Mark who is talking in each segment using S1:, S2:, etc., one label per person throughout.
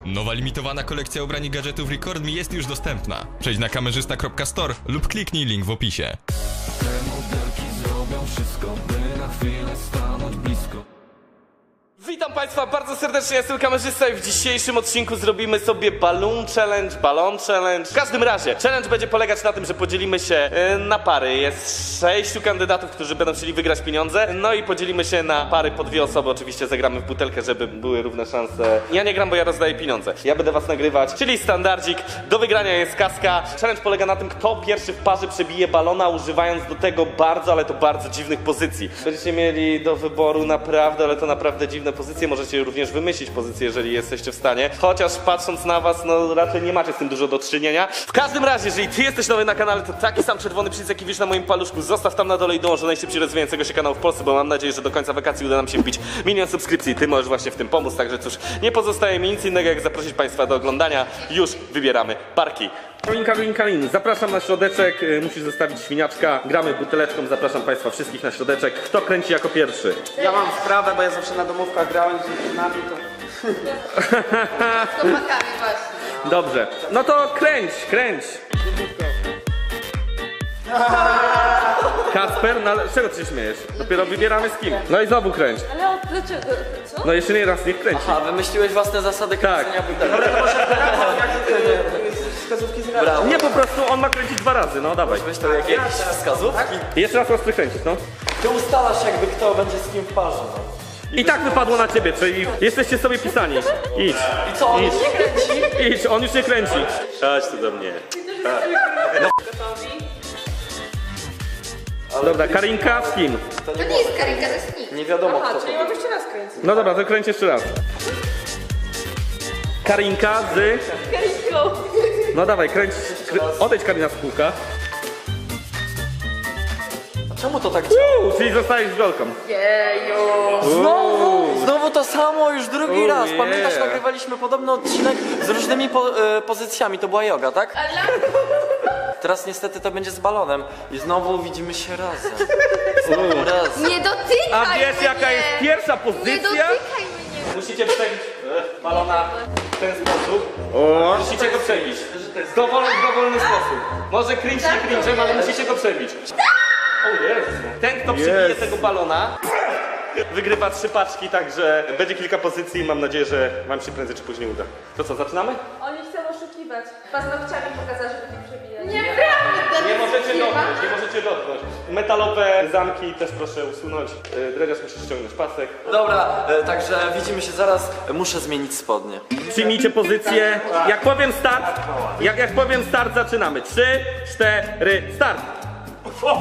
S1: Nowa limitowana kolekcja ubrań i gadżetów Record Me jest już dostępna. Przejdź na kamerzysta.store lub kliknij link w opisie.
S2: Te modelki zrobią wszystko, by na chwilę stanąć blisko.
S3: Witam Państwa bardzo serdecznie, ja jestem kamerzysta i w dzisiejszym odcinku zrobimy sobie balloon challenge. W każdym razie, challenge będzie polegać na tym, że podzielimy się na pary. Jest 6 kandydatów, którzy będą chcieli wygrać pieniądze. No i podzielimy się na pary po 2 osoby, oczywiście zagramy w butelkę, żeby były równe szanse. Ja nie gram, bo ja rozdaję pieniądze. Ja będę was nagrywać, czyli standardzik. Do wygrania jest kaska. Challenge polega na tym, kto pierwszy w parze przebije balona, używając do tego bardzo, ale to bardzo dziwnych pozycji. Będziecie mieli do wyboru naprawdę, ale to naprawdę dziwne pozycje, możecie również wymyślić pozycję, jeżeli jesteście w stanie. Chociaż patrząc na was, no raczej nie macie z tym dużo do czynienia. W każdym razie, jeżeli ty jesteś nowy na kanale, to taki sam czerwony przycisk, jaki widzisz na moim paluszku, zostaw tam na dole i dołącz do najszybciej rozwijającego się kanału w Polsce, bo mam nadzieję, że do końca wakacji uda nam się wbić 1 000 000 subskrypcji. Ty możesz właśnie w tym pomóc, także cóż, nie pozostaje mi nic innego, jak zaprosić Państwa do oglądania. Już wybieramy parki. Kalin, zapraszam na środeczek, musisz zostawić świniaczka, gramy buteleczką, zapraszam Państwa wszystkich na środeczek. Kto kręci jako pierwszy?
S4: Ja mam sprawę, bo ja zawsze na domówkach grałem z dziewczynami, to...
S5: Z chłopakami właśnie.
S3: Dobrze, no to kręć. Kacper, no ale z czego ty się śmiejesz? Dopiero wybieramy z kim. No i znowu kręć.
S5: Ale dlaczego? Co?
S3: No jeszcze nie raz, niech kręci.
S4: A, wymyśliłeś własne zasady kręcenia butelek.
S3: Ale to może
S4: wskazówki z brawo.
S3: nie, po prostu on ma kręcić 2 razy, no dawaj.
S4: Weź to jakieś wskazówki.
S3: Jeszcze raz ostry kręcić, no.
S4: Ty ustalasz jakby kto będzie z kim w parze.
S3: I tak wypadło na ciebie, czyli jesteście sobie pisani. Idź.
S4: I co, on
S3: Idź.
S4: nie kręci?
S3: Idź, on już nie kręci.
S6: Chodź tu do mnie.
S3: Dobra, Karinka z kim?
S5: To nie jest Karinka, to jest nikt.
S4: Nie wiadomo kto to.
S5: czyli mam jeszcze raz kręcić.
S3: No dobra, to kręć jeszcze raz. Karinka z...
S5: Karinką.
S3: No dawaj, kręć... Odejdź Karina z kółka.
S4: Czemu to tak działa?
S3: Czyli zostajesz z Golką.
S5: Jeju.
S4: Znowu to samo, już drugi raz.
S3: yeah.
S4: Pamiętasz, nagrywaliśmy podobny odcinek z różnymi pozycjami, to była joga, tak?
S5: Ale...
S4: Teraz niestety to będzie z balonem i znowu widzimy się razem. Znowu razem.
S5: Nie dotykaj
S3: A wiesz
S5: mnie.
S3: jaka jest pierwsza
S5: Nie
S3: pozycja?
S5: dotykaj mnie.
S3: Musicie przebić balona w ten sposób. Musicie go przebić. W dowolny sposób. Może cringe nie cringe'em, ale musicie go przebić. O Jezu. Ten, kto przebije tego balona, wygrywa 3 paczki, także będzie kilka pozycji i mam nadzieję, że wam się prędzej czy później uda. To co, zaczynamy?
S7: Oni chcą oszukiwać. Paznokciami pokazać, żeby nie przebijać.
S5: Nieprawda.
S3: Nie możecie dotknąć. Metalowe zamki też proszę usunąć. Dredziarz, musisz ściągnąć pasek.
S4: Dobra, także widzimy się zaraz. Muszę zmienić spodnie.
S3: Przyjmijcie pozycję. Jak powiem start, jak powiem start, zaczynamy. 3, 4, start! Wow.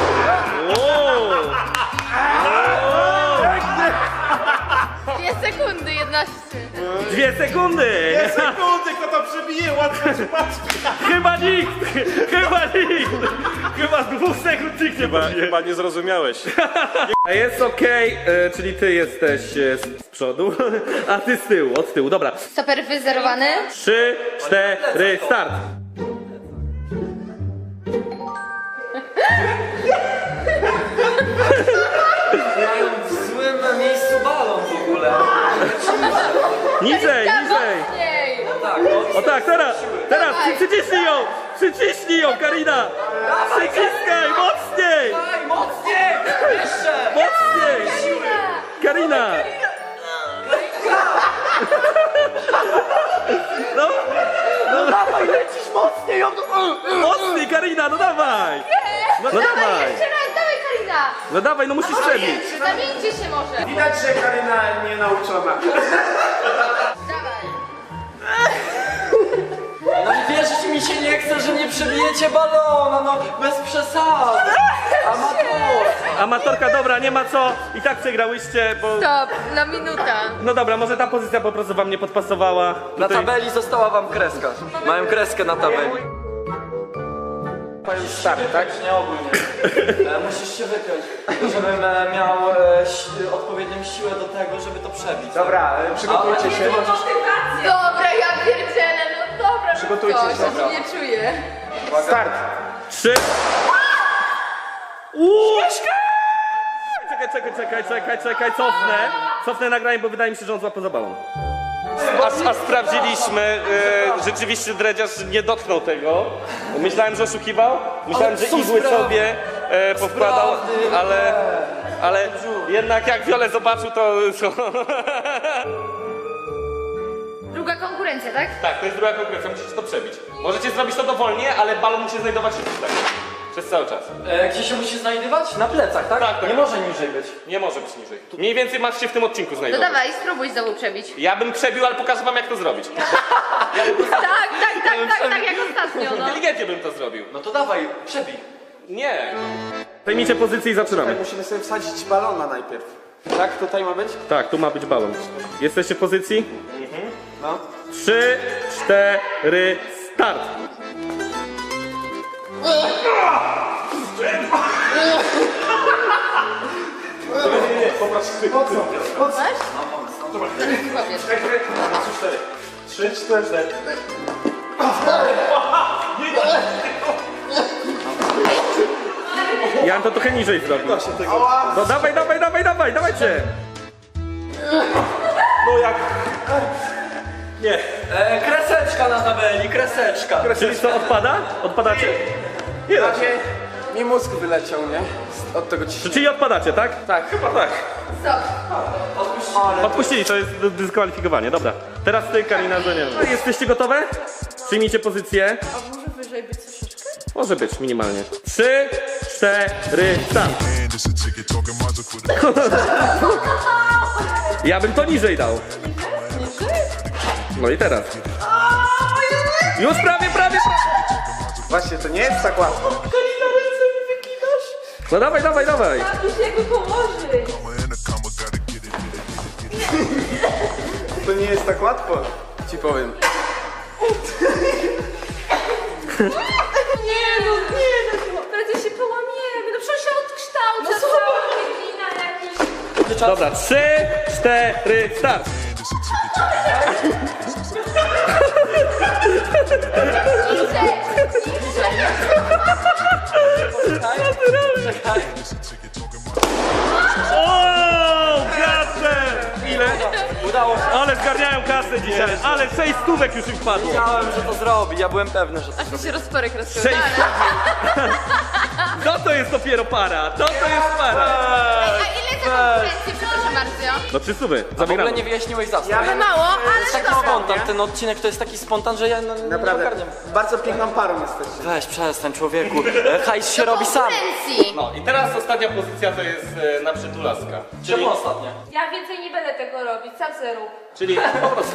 S5: 2 sekundy, 11.
S3: 2 sekundy!
S6: Kto to przebije? Łatwo paczki.
S3: Chyba nikt! Chyba z 2 sekund nikt nie pobije.
S6: Chyba nie zrozumiałeś.
S3: Jest okej, czyli ty jesteś z przodu, a ty z tyłu, od tyłu. Dobra.
S5: Stoper wyzerowany.
S3: 3, 4, start!
S4: Mają w złym miejscu balon w ogóle.
S3: Niżej!
S5: Mocniej.
S4: Tak,
S3: O tak, teraz! Przyciśnij ją, Karina! Przyciskaj, mocniej!
S4: Daj, mocniej! Jeszcze!
S3: Mocniej! Karina! No
S4: Dawaj, lecisz mocniej!
S3: mocniej, Karina, no dawaj! No dawaj!
S5: Jeszcze raz, dawaj Karina.
S3: No dawaj, no musisz przebić!
S5: Zamieńcie się może.
S6: Widać, że Karyna nie nauczona.
S5: Dawaj.
S4: No i wierzyć mi się nie chce, że nie przebijecie balona, no bez przesad! Amator!
S3: Amatorka, dobra, nie ma co, i tak przegrałyście, bo...
S5: Stop, na minuta.
S3: No dobra, może ta pozycja po prostu wam nie podpasowała.
S4: Na
S3: Tutaj-
S4: tabeli została wam kreska. Mają kreskę na tabeli.
S3: To już start, tak?
S4: Nie ogólnie. Musisz się wypiąć, żebym miał odpowiednią siłę do tego, żeby to przebić.
S6: Dobra, przygotujcie się.
S5: Dobra, ja pierdzielę, no dobra.
S6: Przygotujcie
S5: no
S6: się.
S5: co, ja się nie czuję.
S6: Start.
S3: 3. Czekaj, cofnę nagranie, bo wydaje mi się, że on złapał za balon. a sprawdziliśmy, rzeczywiście dredziarz nie dotknął tego. Myślałem, że oszukiwał, myślałem, że igły sobie powkładał, ale jednak jak Wiolę zobaczył, to...
S5: Druga konkurencja, tak?
S3: Tak, to jest druga konkurencja, musicie to przebić. Możecie zrobić to dowolnie, ale balon musi znajdować się tutaj. Przez cały czas.
S4: Gdzie się musi znajdować? Na plecach, tak?
S3: Tak, tak.
S4: Nie może niżej być.
S3: Nie może być niżej. Mniej więcej masz się w tym odcinku
S5: To
S3: znajdować.
S5: dawaj, spróbuj znowu przebić.
S3: Ja bym przebił, ale pokażę wam jak to zrobić.
S5: Tak, jak ostatnio, no.
S3: Inteligentnie bym to zrobił.
S4: No to dawaj, przebij.
S3: Nie. Zajmijcie pozycję i zaczynamy.
S6: Musimy sobie wsadzić balona najpierw. Tak? Tutaj ma być?
S3: Tak, tu ma być balon. Jesteście w pozycji?
S6: No.
S3: 3, 4, start!
S5: Masz? Powiesz.
S6: 3, 4.
S3: Ja bym to trochę niżej zrobił. No dawajcie! No jak? Nie.
S4: Kreseczka na tabeli, kreseczka.
S3: Czyli co, odpada? Odpadacie? Nie da się.
S6: Mi mózg wyleciał, nie? Od tego ciśnienia.
S3: Czyli odpadacie, tak?
S6: Tak. Chyba tak.
S5: Stop.
S3: Odpuścili, to jest dyskwalifikowanie, dobra. Teraz ty, Karina, że nie wiem. Jesteście gotowe? Przyjmijcie pozycję.
S7: A może wyżej być troszeczkę?
S3: Może być, minimalnie. 3, 4, start. Ja bym to niżej dał. No i teraz. Już prawie.
S6: Właśnie, to nie jest tak łatwo.
S3: No dawaj.
S7: Już jakby położyć.
S6: To nie jest tak łatwo. Ci powiem.
S7: Nie, no prędzej się połamiemy. No przecież się odkształca cała glina jakiś.
S3: Dobra, 3, 4, start. O, kasę! Ile?
S4: Udało się.
S3: Ale zgarniają kasę dzisiaj, ale 6 stówek już im wpadło.
S4: Wiedziałem, że to zrobi, ja byłem pewny, że to
S5: Aż mi się rozporek rozciąga.
S3: 6 No to jest dopiero para, to jest para.
S5: A ile za konkurencję, przepraszam bardzo?
S3: No 3 stówy,
S4: w ogóle
S3: zabiegamy.
S4: nie wyjaśniłeś zasad.
S5: Trochę mało,
S4: To jest
S5: ale
S4: taki
S5: dobra.
S4: spontan, ten odcinek to jest taki spontan, że ja nie
S6: Naprawdę.
S4: ogarniam.
S6: Bardzo piękną parą jesteście.
S4: Weź, przestań człowieku, hajs się robi sam.
S5: Konkurencji.
S3: No i teraz ostatnia pozycja to jest na przytulaska.
S4: Czemu ostatnia?
S7: Ja więcej nie będę tego robić, sam se rób.
S3: Czyli po prostu.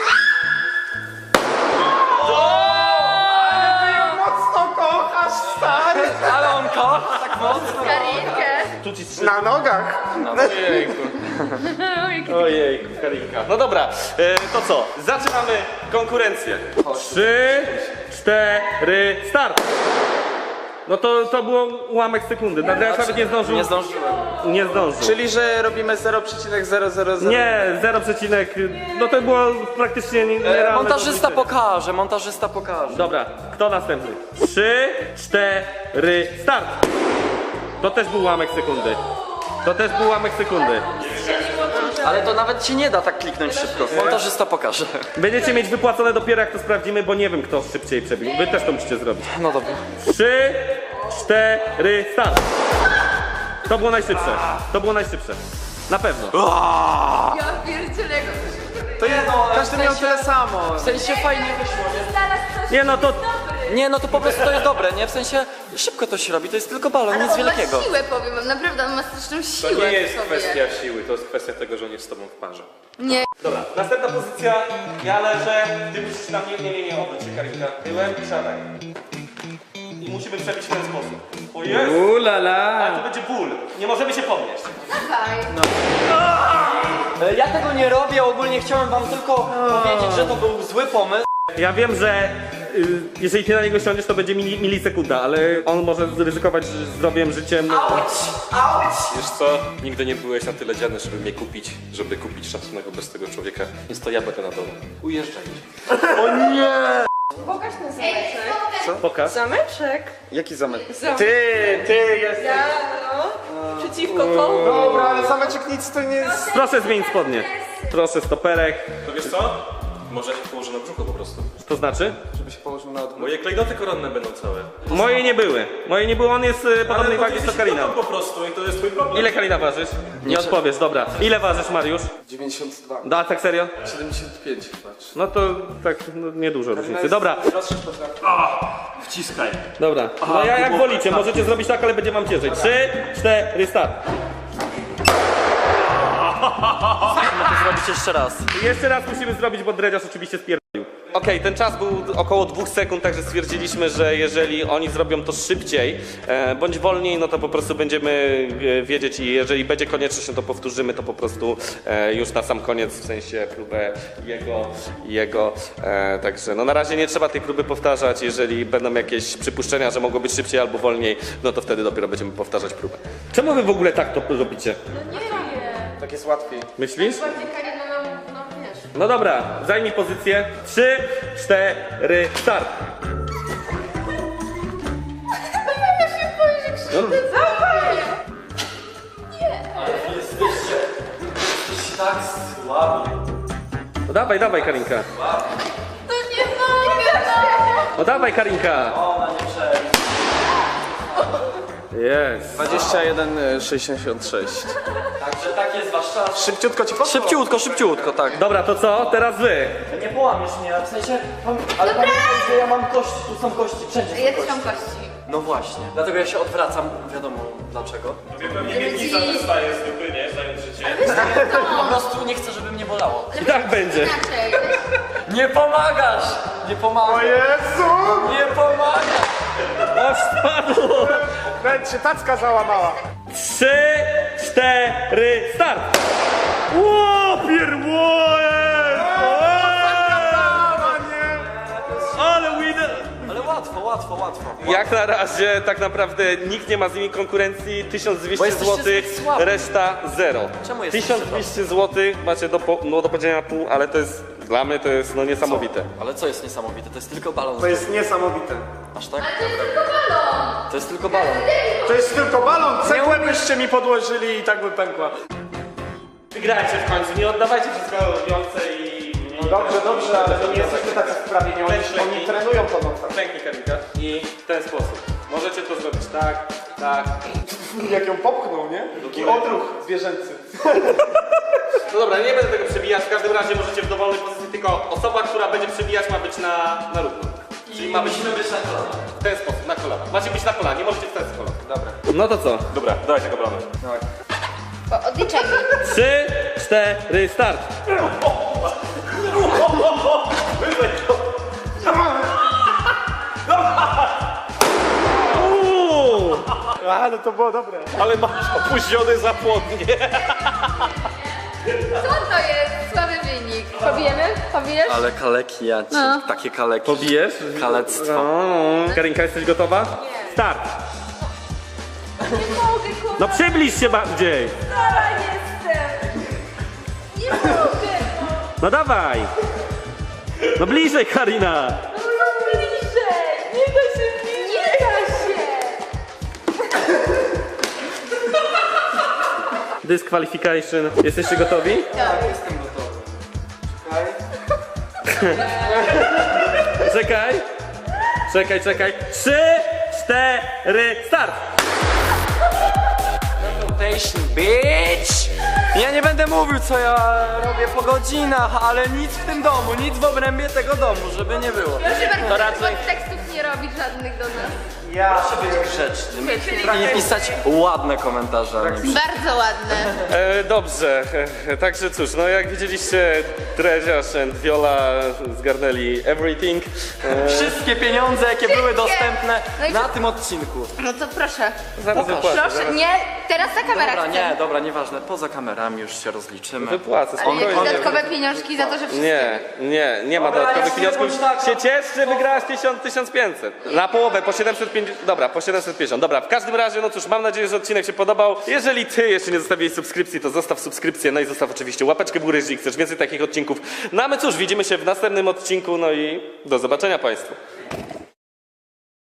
S6: Mocno kochasz, stary!
S4: Ale on kocha tak mocno.
S5: Karinkę.
S3: Tu ci
S6: Na nogach!
S3: Ojejku. Ojejku, Karinka. No dobra, to co? Zaczynamy konkurencję. 3, 4, start! No to było ułamek sekundy. Nadal nawet nie zdążył.
S4: Nie zdążyłem.
S3: Nie zdążył.
S6: Czyli, że robimy 0,000.
S3: Nie, 0, no to było praktycznie nierealne.
S4: Montażysta pokaże.
S3: Dobra, kto następny? 3, 4, start! To też był ułamek sekundy.
S4: Ale to nawet ci nie da tak kliknąć szybko. Montażysta pokaże.
S3: Będziecie mieć wypłacone dopiero jak to sprawdzimy, bo nie wiem kto szybciej przebił. Wy też to musicie zrobić.
S4: No dobra.
S3: 3, 4, start! To było najszybsze. Na pewno.
S5: Ja pierdzielę, jak
S6: To jest, każdy miał tyle samo.
S4: W sensie fajnie wyszło, nie?
S7: Zaraz coś
S3: Nie no to...
S4: Nie, no to po prostu to jest dobre, nie? W sensie szybko to się robi, to jest tylko balon, nic
S5: on
S4: wielkiego.
S5: ma siłę, powiem wam, naprawdę, on ma straszną siłę w sobie.
S3: siły, to jest kwestia tego, że on jest z tobą w parze.
S5: Nie.
S3: Dobra, następna pozycja. Ja leżę, ty musisz na mnie... Nie, obróć się Karinka. Tyłem i siadaj. I musimy przebić w ten sposób. O Jezu! Ale to będzie ból. Nie możemy się podnieść.
S5: Dawaj.
S4: Ja tego nie robię, ogólnie chciałem wam tylko powiedzieć, że to był zły pomysł.
S3: Ja wiem, że jeżeli ty na niego siądziesz, to będzie milisekunda, ale on może zryzykować zdrowiem, życiem.
S8: Wiesz co? Nigdy nie byłeś na tyle dziany, żeby mnie kupić, żeby kupić szacunek wobec tego człowieka, więc to ja będę na dole. Ujeżdżaj.
S7: Pokaż ten zameczek.
S3: Pokaż.
S7: Zameczek?
S6: Jaki zamek?
S7: Zamek.
S6: Ty jesteś.
S7: Ja, no. Przeciwko komu?
S6: Dobra, ale zameczek nic to nie jest.
S3: Proszę zmienić spodnie. Proszę stoperek.
S8: To wiesz co? Może ja się położę na brzuchu po prostu.
S3: To znaczy?
S6: Żeby się położył na odwrót.
S8: Moje klejnoty koronne będą całe.
S3: Moje nie były. Moje nie były, on jest podobnej wagi co Karina.
S8: po prostu i to jest twój problem.
S3: Ile Karina ważysz? Nie odpowiesz, dobra. Ile ważysz, Mariusz?
S6: 92.
S3: Da, tak serio?
S6: 75, patrz.
S3: No to tak no, niedużo różnicy. Dobra,
S8: Wciskaj.
S3: dobra. No ja jak wolicie, możecie zrobić tak, ale będzie wam ciężej. 3, 4, start.
S4: Musimy to zrobić jeszcze raz.
S3: Jeszcze raz musimy zrobić, bo dredziarz oczywiście spierdolił. Okej, ten czas był około 2 sekund, także stwierdziliśmy, że jeżeli oni zrobią to szybciej bądź wolniej, no to po prostu będziemy wiedzieć i jeżeli będzie konieczność, no to powtórzymy to po prostu już na sam koniec, w sensie próbę jego. Także no na razie nie trzeba tej próby powtarzać, jeżeli będą jakieś przypuszczenia, że mogło być szybciej albo wolniej, no to wtedy dopiero będziemy powtarzać próbę. Czemu wy w ogóle tak to robicie?
S7: No nie wiem.
S6: Tak jest łatwiej.
S3: Myślisz?
S7: Bardziej Karina nam, no wiesz.
S3: No dobra, zajmij pozycję. 3, 4, start.
S7: Ja się boję, że krzywdę zrobię.
S4: Jesteś tak słaby.
S3: No dawaj, Karinka.
S7: To nie mogę, no.
S3: No dawaj, Karinka.
S4: Ona nie przejdzie.
S3: Jest.
S6: 21,66.
S4: Także tak jest wasz czas.
S6: Szybciutko ci poszło?
S4: Szybciutko, tak.
S3: Dobra, to co? Teraz wy.
S4: Nie połamiesz mnie, w sensie... Ale pamiętaj, że ja mam kości, tu są kości, wszędzie są
S7: Ja też
S4: kości.
S7: mam kości.
S4: No właśnie. Dlatego ja się odwracam, wiadomo dlaczego.
S8: Pewnie miednica dostaje zwykły, nie? Zając życie.
S4: Po prostu nie chcę, żeby mnie bolało.
S3: I tak będzie.
S7: Inaczej.
S4: Nie pomagasz! Nie pomagasz!
S6: Jezu!
S4: Nie pomagasz!
S3: O, spadło.
S6: Nawet się tacka załamała.
S3: 3, 4, start. Ło, pierwoje. Ale winner.
S4: Ale łatwo.
S3: Jak na razie tak naprawdę nikt nie ma z nimi konkurencji. 1200
S4: Bo jesteście
S3: zł,
S4: zbyt słabi.
S3: reszta 0.
S4: Czemu jesteście
S3: 1200 zł macie do podzielenia pół, ale to jest dla mnie to jest no niesamowite.
S4: Ale co jest niesamowite? To jest tylko balon.
S6: To jest niesamowite.
S4: Aż tak?
S7: To jest tylko balon.
S4: To jest tylko balon.
S6: To jest tylko balon. Cegłę byście mi podłożyli i tak by pękła.
S3: Wygrajcie w końcu, nie oddawajcie wszystkiego robiące i...
S6: Dobrze, ale to nie jesteśmy tacy wprawieni. Oni trenują po nocach.
S3: Pęknij, Karinka. I w ten sposób. Możecie to zrobić tak.
S6: Jak ją popchnął, nie? Taki odruch zwierzęcy.
S3: No dobra, nie będę tego przebijać, w każdym razie możecie w dowolnej pozycji, tylko osoba, która będzie przebijać ma być na równo. Czyli ma być
S4: Musimy być na kolanach.
S3: w ten sposób, na kolana. Macie być na kolana, nie możecie wstać z kolana. Dobra. No to co?
S8: Dobra, dawaj tego balonu.
S5: Odliczaj mi.
S3: 3, 4, start!
S6: Ale to było dobre.
S3: Ale masz opóźniony zapłodnie.
S5: Co to jest? Słaby wynik.
S7: Pobijemy? Pobijesz?
S4: Ale kaleki, takie kaleki.
S3: Pobijesz?
S4: Kalectwo.
S3: Karinka, jesteś gotowa? Nie. Start!
S7: Nie mogę, kurwa.
S3: No przybliż się bardziej!
S7: Stara jestem. Nie mogę.
S3: No dawaj! No bliżej, Karina!
S7: No bliżej. Nie da się bliżej. Nie da się.
S3: Disqualification. Jesteście gotowi?
S6: Jestem gotowy. Czekaj.
S3: Czekaj. 3, 4, start!
S4: Bitch! Ja nie będę mówił, co ja robię po godzinach, ale nic w tym domu, nic w obrębie tego domu, żeby nie było.
S5: Proszę bardzo,
S3: To raczej-
S5: tekstów nie robić żadnych do nas.
S4: Proszę być grzecznym i nie pisać ładne komentarze. a nie
S5: Bardzo ładne.
S3: Dobrze, także cóż, no jak widzieliście, Dreziarz and Viola zgarnęli everything.
S4: Wszystkie pieniądze, jakie były
S5: Wszystkie.
S4: dostępne
S5: No i
S4: na
S5: co?
S4: tym odcinku.
S5: No to proszę.
S3: Zaraz wypłacę.
S5: Proszę, nie, teraz na kamerach
S4: Dobra,
S5: chcę.
S4: nie, dobra, nieważne. Poza kamerami już się rozliczymy.
S3: Wypłacę,
S5: Ale jakieś
S3: spokojnie.
S5: dodatkowe pieniążki za to, że wszystkie...
S3: Nie ma
S4: Dobra,
S3: dodatkowych
S4: ja
S3: pieniążków.
S4: się bądź
S3: Się ciesz, że wygrałaś 1500. Na połowę, po 750. Dobra, po 750. Dobra, w każdym razie, no cóż, mam nadzieję, że odcinek się podobał. Jeżeli ty jeszcze nie zostawiłeś subskrypcji, to zostaw subskrypcję, no i zostaw oczywiście łapeczkę w górę, jeżeli chcesz więcej takich odcinków. No a my cóż, widzimy się w następnym odcinku, no i do zobaczenia Państwu.